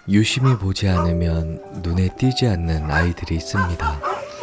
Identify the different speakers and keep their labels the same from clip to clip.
Speaker 1: 유심히 보지 않으면 눈에 띄지 않는 아이들이 있습니다.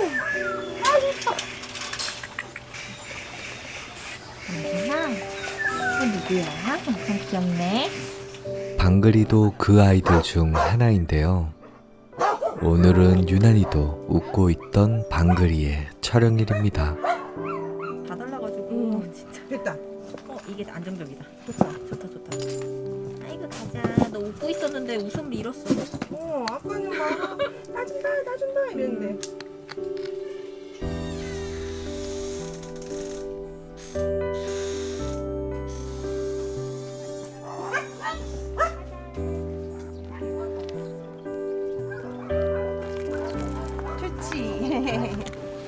Speaker 2: 누구야? 엄청 귀엽네.
Speaker 1: 방글이도 그 아이들 중 하나인데요. 오늘은 유난히도 웃고 있던 방글이의 촬영일입니다.
Speaker 2: 다 달라가지고 진짜.
Speaker 3: 됐다.
Speaker 2: 이게 안정적이다. 좋다. 아이고 가자. 너 웃고 있었는데 웃음을 잃었어.
Speaker 3: 아빠는 막 따준다 이랬는데. 좋지.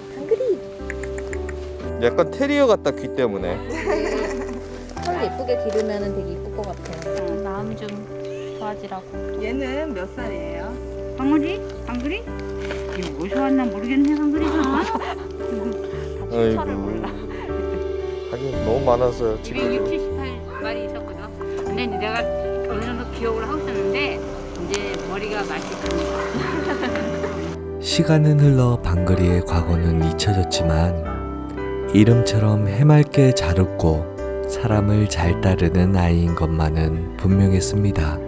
Speaker 4: 약간 테리어 같다 귀 때문에.
Speaker 2: 털 예쁘게 기르면 되게 이쁠 것 같아. 마음 좀 좋아지라고.
Speaker 3: 얘는 몇 살이에요?
Speaker 5: 방울이? 방글이? 이거 어디서 왔나 모르겠네 방글이가.
Speaker 2: 출처를 몰라.
Speaker 4: 하긴 너무 많아서요 지금.
Speaker 5: 278마리 있었거든. 근데 이제 내가 어느 정도 기억을 하고 있었는데 이제 머리가 맛있습니다.
Speaker 1: 시간은 흘러 방글이의 과거는 잊혀졌지만 이름처럼 해맑게 잘 웃고 사람을 잘 따르는 아이인 것만은 분명했습니다.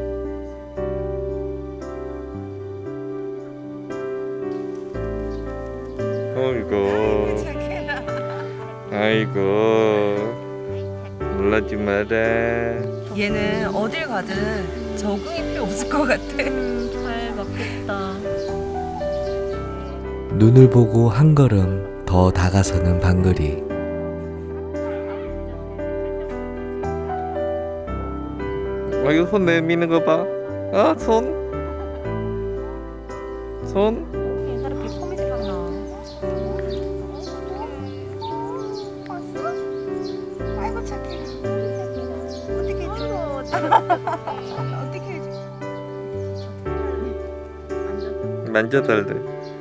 Speaker 4: 어이구. 아이고. 놀라지 마라.
Speaker 3: 얘는 어딜 가든 적응이 필요 없을 것 같아.
Speaker 2: 잘 먹겠다.
Speaker 1: 눈을 보고 한 걸음 더 다가서는 방글이.
Speaker 4: 이거 손 내미는 거 봐. 아, 손.
Speaker 2: 옛날에 비포미 생각나.
Speaker 3: 아이고 착해. 어떻게 해줘? 어떻게 해줘?
Speaker 4: 만져달래.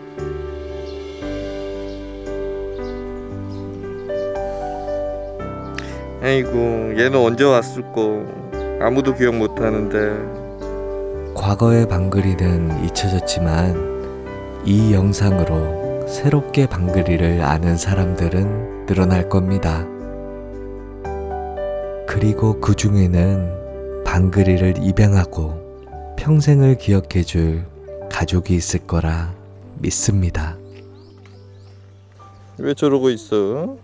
Speaker 4: 아이고, 얘는 언제 왔을꼬. 아무도 기억 못 하는데.
Speaker 1: 과거의 방글이는 잊혀졌지만 이 영상으로 새롭게 방글이를 아는 사람들은 늘어날 겁니다. 그리고 그 중에는 방글이를 입양하고 평생을 기억해줄 가족이 있을 거라 믿습니다.
Speaker 4: 왜 저러고 있어?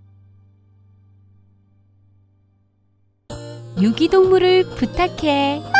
Speaker 6: 유기동물을 부탁해.